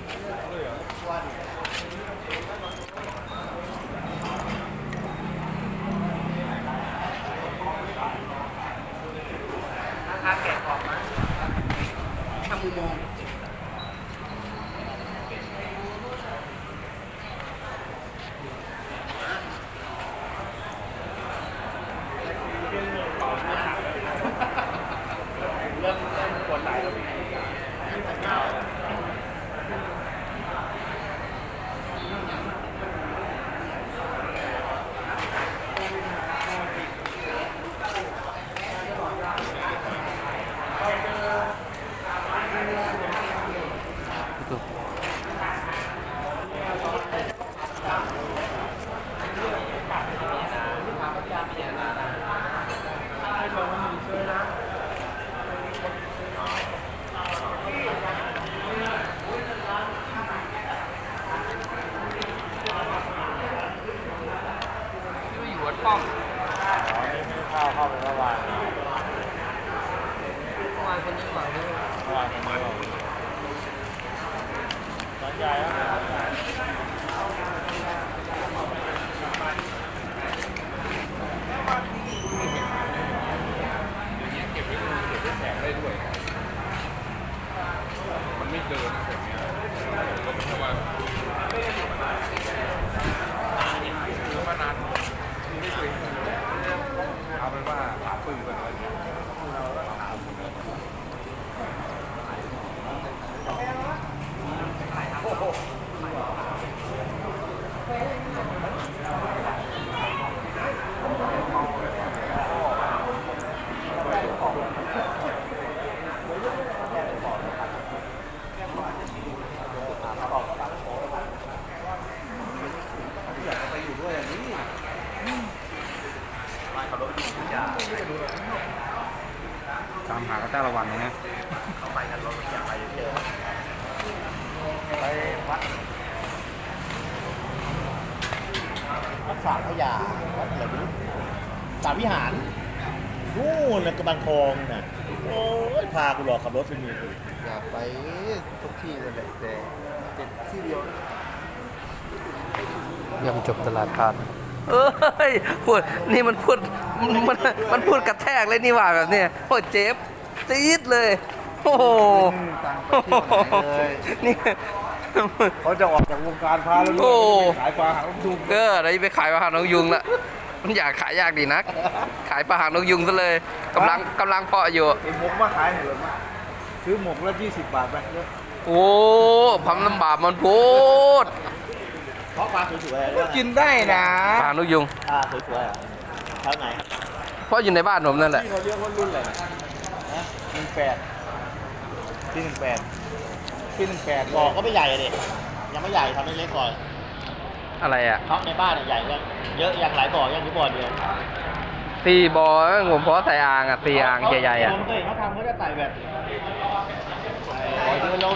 ราคาแกะออกมาทำอุโมงค์เริ่มปวดไหล่แล้วพี่ป้อมข้าวเข้าไปเมื่อวานคนนี้ก่อนเมื่อวานคนนี้สนใจแล้วเก็บไว้ดูเก็บไว้แจกได้ด้วยมันไม่เดินแบบนี้ก็ไม่ใช่ว่าคือว่านานไม่เคยเอาเป็นว่าหาปืนกันอะไรเงี้ยเราก็ถามตามหาก็ต้าระวังนะเข้าไปกันรถอยากไปเจอไปวัดสามพยาวัดอะไรไม่รู้สามวิหารนู่นนะกระบังทองน่ะโอ้ยพากูหลอกขับรถไปมีอยากไปทุกที่เลยแต่ที่เดียวยังจบตลาดพานเอ้ยพูดนี่มันพูดมันพูดกระแทกเลยนี่ว่าแบบเนี้ยโอ้เจ็บจี๊ดเลยโอ้โหนี่เขาจะออกจากวงการพาแล้วขายปลาหางนกยุงเราจะไปขายปลาหางนกยุงละมันอยากขายยากดีนักขายปลาหางนกยุงซะเลยกำลังเพาะอยู่ไอ้หมกมาขายเหรอมาซื้อหมกละ20 บาทไปโอ้พัมลำบากมันพูดเพราะปลาสวยๆก็กินได้นะปลาหางนกยุงสวยๆอ่ะเท่าไหนเพราะอยู่ในบ้านผมนั่นแหละที่เขาเรียกว่ารุ่นอะไรนะ18ที่18บอกก็ไม่ใหญ่เลยยังไม่ใหญ่ทำเล็กๆก่อนอะไรอ่ะเพราะในบ้านใหญ่เยอะยังหลายบ่อยังที่บ่อเดียว 4 บ่อผมเพราะใส่อ่างอ่ะ4 อ่างใหญ่ๆอ่ะเขาทำเขาจะใส่แบบบ่อเดียว